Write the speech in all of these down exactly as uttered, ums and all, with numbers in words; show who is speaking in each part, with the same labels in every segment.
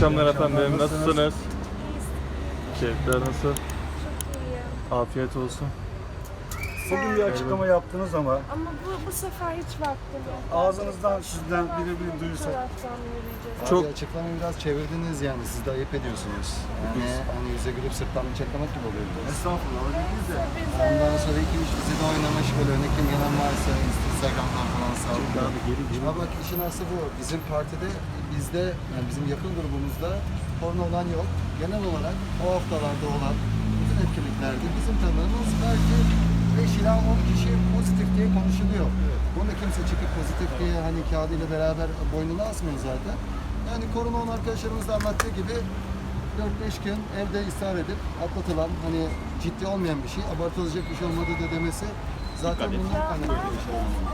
Speaker 1: akşamlar efendim. Nasılsınız? Keyifler nasıl?
Speaker 2: Çok iyi.
Speaker 1: Afiyet olsun.
Speaker 3: Bugün bir açıklama yaptınız ama
Speaker 2: Ama bu, bu sefer hiç vaktim yok.
Speaker 3: ağzınızdan sizden biri bir
Speaker 2: Bu
Speaker 3: duyursak.
Speaker 2: taraftan yürüyeceğiz.
Speaker 1: Çok-
Speaker 4: Abi açıklamayı biraz çevirdiniz yani, siz de ayıp ediyorsunuz. Yani hani yüze gülüp sırttan bıçaklamak gibi oluyor biraz.
Speaker 3: Estağfurullah öyle değil de.
Speaker 2: Biz
Speaker 4: Ondan
Speaker 2: de
Speaker 4: sonra iki üç dizide oynamış, böyle örnek kim gelen varsa Instagram'dan falan sağlıyor. Ama bak işin aslı bu. Bizim partide, bizde, yani bizim yakın grubumuzda porno olan yok. Genel olarak o haftalarda olan bütün etkinliklerde bizim tanıdığımız belki beş ila on kişi pozitif diye konuşuluyor. Bunda kimse çıkıp pozitif diye hani kağıdıyla beraber boynuna asmıyor zaten. Yani korona olan arkadaşlarımız da anlattığı gibi dört beş gün evde ısrar edip atlatılan, hani ciddi olmayan bir şey, abartılacak bir şey olmadığı da demesi zaten bundan kaynaklı bir şey olmalı.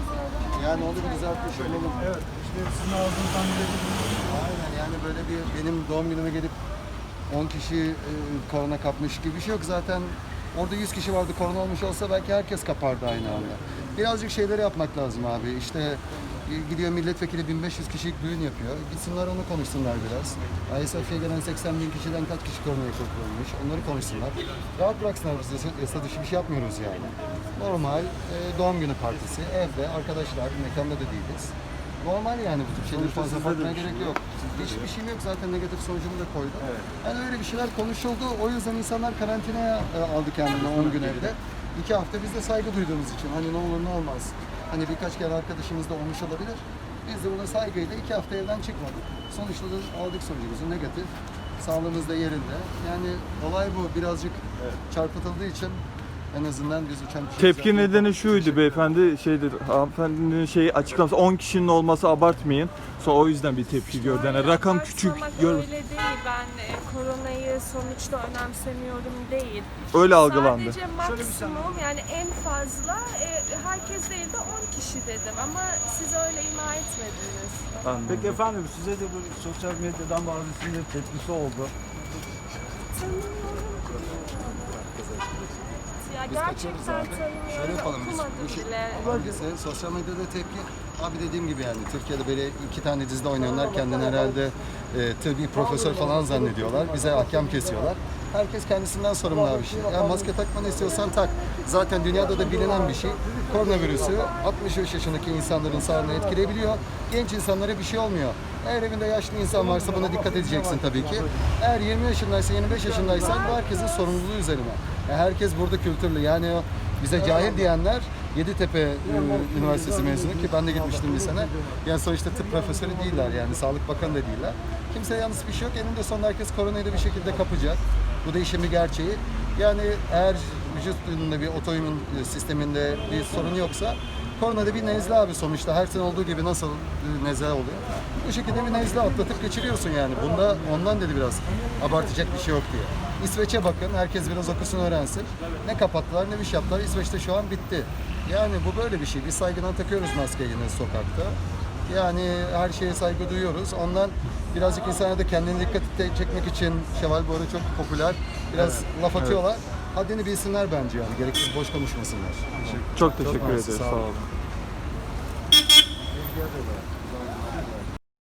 Speaker 4: Yani onu bir düzeltmiş olalım.
Speaker 3: Evet işte sizin ağzınızdan biri
Speaker 4: Aynen, yani böyle bir benim doğum günüme gelip on kişi e, korona kapmış gibi bir şey yok. Zaten orada yüz kişi vardı, korona olmuş olsa belki herkes kapardı aynı anda. Birazcık şeyleri yapmak lazım abi. İşte e, gidiyor milletvekili bin beş yüz kişilik düğün yapıyor. Gitsinler onu konuşsunlar biraz. I S F'ye gelen seksen bin kişiden kaç kişi koronaya kapılmış, onları konuşsunlar. Rahat bıraksınlar, biz yasa, yasa dışı bir şey yapmıyoruz yani. Normal e, doğum günü partisi, evde, arkadaşlar, mekanda da değiliz. Normal yani, bu tip şeyleri
Speaker 3: Sonuçta
Speaker 4: fazla
Speaker 3: sizde de
Speaker 4: bakmaya
Speaker 3: bir şey
Speaker 4: gerek
Speaker 3: yok.
Speaker 4: yok.
Speaker 3: Sizde de
Speaker 4: Hiçbir
Speaker 3: yok.
Speaker 4: şeyim yok zaten, negatif sonucumu da koydum.
Speaker 3: Evet.
Speaker 4: Yani öyle bir şeyler konuşuldu. O yüzden insanlar karantinaya e, aldı kendini on gün evde. İki hafta biz de saygı duyduğumuz için hani ne olur ne olmaz. Hani birkaç kere arkadaşımız da olmuş olabilir. Biz de buna saygıyla iki hafta evden çıkmadık. Sonuçta da aldık sonucumuzu, negatif. Sağlığımız da yerinde. Yani olay bu. Birazcık çarpıtıldığı için en azından biz uçan kuşu
Speaker 1: Tepki
Speaker 4: zaten-
Speaker 1: nedeni şuydu beyefendi, şeydir, hanımefendinin şeyi açıklaması on kişinin olması abartmayın. Sonra o yüzden bir tepki gördü. Yani rakam küçük.
Speaker 2: Abartmamak
Speaker 1: Gör,
Speaker 2: öyle değil. Ben e, koronayı sonuçta önemsemiyorum değil.
Speaker 1: öyle algılandı.
Speaker 2: Sadece maksimum, yani en fazla e, herkes değil de on kişi dedim ama siz öyle ima etmediniz.
Speaker 1: Anladım.
Speaker 3: Peki efendim size de böyle sosyal medyadan bazısının da tepkisi oldu.
Speaker 2: Ya
Speaker 4: Biz kaçıyoruz
Speaker 2: gerçekten
Speaker 4: abi.
Speaker 2: tanımıyorum,
Speaker 4: Şöyle yapalım biz.
Speaker 2: okumadım
Speaker 4: Bu şey,
Speaker 2: bile.
Speaker 4: bölgesi, sosyal medyada tepki. Abi dediğim gibi yani Türkiye'de böyle iki tane dizide oynayanlar kendini herhalde e, tıbbi profesör falan zannediyorlar. Bize hakem kesiyorlar. Herkes kendisinden sorumlu abi şey. Ya maske takmanı istiyorsan tak. Zaten dünyada da bilinen bir şey. Koronavirüsü altmış beş yaşındaki insanların sağlığını etkileyebiliyor. Genç insanlara bir şey olmuyor. Eğer evinde yaşlı insan varsa buna dikkat edeceksin tabii ki. Eğer yirmi yaşındaysa, yirmi beş yaşındaysan bu herkesin sorumluluğu üzerine. Ya herkes burada kültürlü. Yani o bize cahil diyenler Yeditepe e, Üniversitesi mezunu ki ben de gitmiştim bir sene. Yani sonuçta tıp profesörü değiller, yani Sağlık Bakanı da değiller. Kimseye yalnız bir şey yok. Eninde sonunda herkes koronayı da bir şekilde kapacak. Bu da işin bir gerçeği. Yani eğer vücudunda bir otoimmün sisteminde bir sorun yoksa korona da bir nezle abi sonuçta. Her sene olduğu gibi nasıl e, nezle oluyor. Bu şekilde bir nezle atlatıp geçiriyorsun yani. Bunda ondan dedi biraz abartacak bir şey yok diye. İsveç'e bakın, herkes biraz okusun öğrensin. Ne kapattılar ne bir şey yaptılar. İsveç'te şu an bitti. Yani bu böyle bir şey. Biz saygıdan takıyoruz maskeyi yine sokakta. Yani her şeye saygı duyuyoruz. Ondan birazcık insanlara da kendini dikkat çekmek için Şevval bu arada çok popüler. Biraz laf atıyorlar. Haddini bilsinler bence yani. Gereksiz boş konuşmasınlar.
Speaker 1: Çok teşekkür
Speaker 4: mersi,
Speaker 1: ederiz.
Speaker 4: sağ
Speaker 1: Sağ
Speaker 4: olun.
Speaker 1: olun.
Speaker 4: Rica ederim.